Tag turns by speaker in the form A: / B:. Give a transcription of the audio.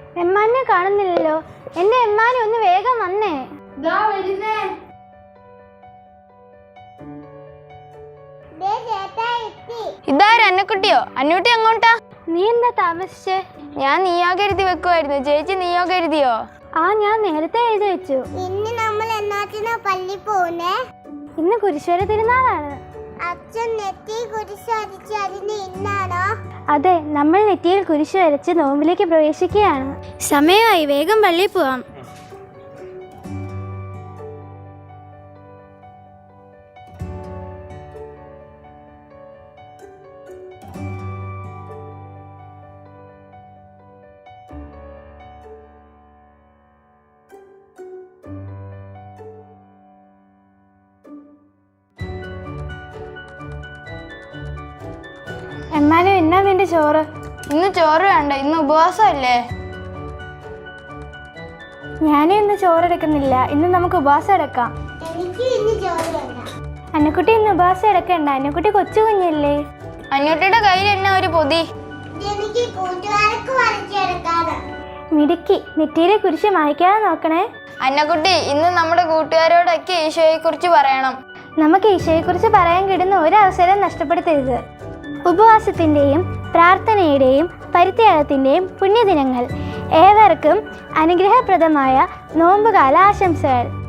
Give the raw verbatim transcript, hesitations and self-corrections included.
A: എമ്മാനെ കാണുന്നില്ലല്ലോ. എന്റെ എമ്മാനെ ഒന്ന് വേഗം വന്നേ.
B: ഇതാരും അന്നക്കുട്ടിയോ? അന്നൂട്ടി അങ്ങോട്ടാ?
A: നീ എന്താ താമസിച്ചേ?
B: ഞാൻ നിയോഗം എഴുതി വെക്കുമായിരുന്നു. ചേച്ചി നിയോഗം എഴുതിയോ?
A: ആ, ഞാൻ നേരത്തെ എഴുതി വെച്ചു.
C: ഇന്ന് നമ്മൾ എന്നാത്തിനാ പള്ളി പോകുന്നേ?
A: ഇന്ന് കുരിശുവര തിരുനാളാണ്.
C: അച്ഛൻ നെറ്റി കുരിശ് വരച്ച് അതിന് ഇന്നാണോ?
A: അതെ, നമ്മൾ നെറ്റിയിൽ കുരിശ് വരച്ച് നോമ്പിലേക്ക് പ്രവേശിക്കുകയാണ്. സമയമായി, വേഗം പള്ളിയിൽ പോവാം. എമ്മാനും എന്നാ നിന്റെ ചോറ്?
B: ഇന്ന് ചോറ് വേണ്ട, ഇന്ന് ഉപവാസമല്ലേ.
A: ഞാനും ഇന്ന് ചോറെടുക്കുന്നില്ല. ഇന്ന് നമുക്ക് ഉപവാസം എടുക്കാം.
C: എനിക്ക് ഇന്ന് ചോറ് വേണ്ട.
A: അന്നക്കുട്ടി ഇന്ന് ഉപവാസം എടുക്കണ്ട. അന്നക്കുട്ടി കൊച്ചു കുഞ്ഞല്ലേ.
B: അന്നൂട്ടിയുടെ കയ്യിൽ എന്നാ ഒരു പൊതി?
C: എനിക്ക് കൂട്ടുകാർക്ക് വരച്ചെടുക്കാണ്.
A: മിടുക്കി, നെറ്റിയിലെ കുരിശ് മായ്ക്കാതെ നോക്കണേ.
B: അന്നക്കുട്ടി, ഇന്ന് നമ്മുടെ കൂട്ടുകാരോടൊക്കെ ഈശോയെ കുറിച്ച് പറയണം.
A: നമുക്ക് ഈശോയെക്കുറിച്ച് പറയാൻ കിട്ടുന്ന ഒരവസരം നഷ്ടപ്പെടുത്തരുത്. ഉപവാസത്തിൻ്റെയും പ്രാർത്ഥനയുടെയും പരിത്യാഗത്തിൻ്റെയും പുണ്യദിനങ്ങൾ. ഏവർക്കും അനുഗ്രഹപ്രദമായ നോമ്പുകാല ആശംസകൾ.